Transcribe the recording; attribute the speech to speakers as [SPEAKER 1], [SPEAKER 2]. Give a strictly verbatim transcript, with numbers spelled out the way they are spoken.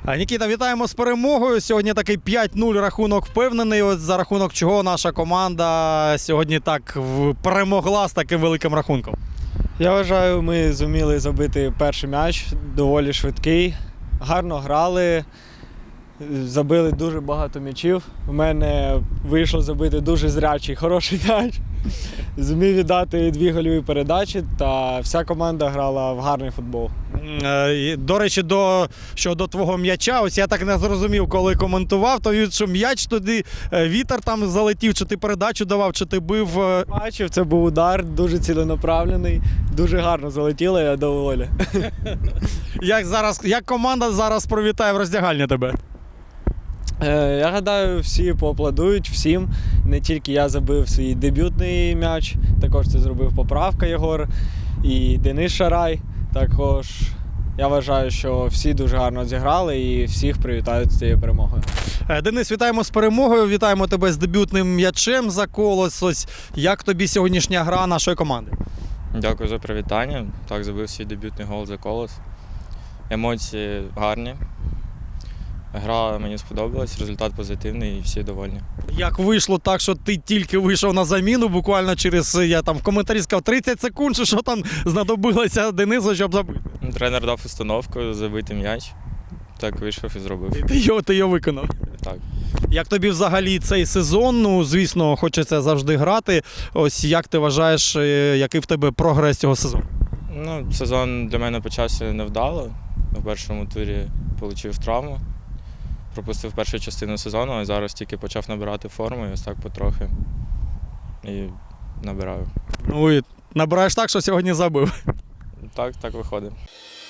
[SPEAKER 1] Нікіта, вітаємо з перемогою. Сьогодні такий п'ять нуль рахунок впевнений. От за рахунок чого наша команда сьогодні так перемогла з таким великим рахунком.
[SPEAKER 2] Я вважаю, ми зуміли забити перший м'яч, доволі швидкий. Гарно грали, забили дуже багато м'ячів. У мене вийшло забити дуже зрячий, хороший м'яч. Зумів віддати дві гольові передачі, та вся команда грала в гарний футбол.
[SPEAKER 1] До речі, до, щодо твого м'яча, ось я так не зрозумів, коли коментував, то що м'яч туди, вітер там залетів, чи ти передачу давав, чи ти бив.
[SPEAKER 2] Бачив, це був удар, дуже ціленаправлений, дуже гарно залетіло, я доволі.
[SPEAKER 1] Як, зараз, як команда зараз привітає в роздягальні тебе?
[SPEAKER 2] Я гадаю, всі поаплодують всім. Не тільки я забив свій дебютний м'яч, також це зробив Поправка Єгор і Денис Шарай. Також я вважаю, що всі дуже гарно зіграли і всіх привітають з цією перемогою.
[SPEAKER 1] Денис, вітаємо з перемогою, вітаємо тебе з дебютним м'ячем за Колос. Ось як тобі сьогоднішня гра нашої команди?
[SPEAKER 3] Дякую за привітання. Так, забив свій дебютний гол за Колос. Емоції гарні. Гра мені сподобалась, результат позитивний і всі довольні.
[SPEAKER 1] Як вийшло так, що ти тільки вийшов на заміну, буквально через, я там в коментарі сказав, тридцять секунд, що там знадобилося Денису, щоб забити?
[SPEAKER 3] Тренер дав установку забити м'яч. Так вийшов і зробив.
[SPEAKER 1] Ти його, ти його виконав?
[SPEAKER 3] Так.
[SPEAKER 1] Як тобі взагалі цей сезон? Ну, звісно, хочеться завжди грати. Ось як ти вважаєш, який в тебе прогрес цього сезону?
[SPEAKER 3] Ну, сезон для мене почався невдало. В першому турі отримав травму. Пропустив першу частину сезону, а зараз тільки почав набирати форму і ось так потрохи. І набираю.
[SPEAKER 1] Ну і набираєш так, що сьогодні забив.
[SPEAKER 3] Так, так виходить.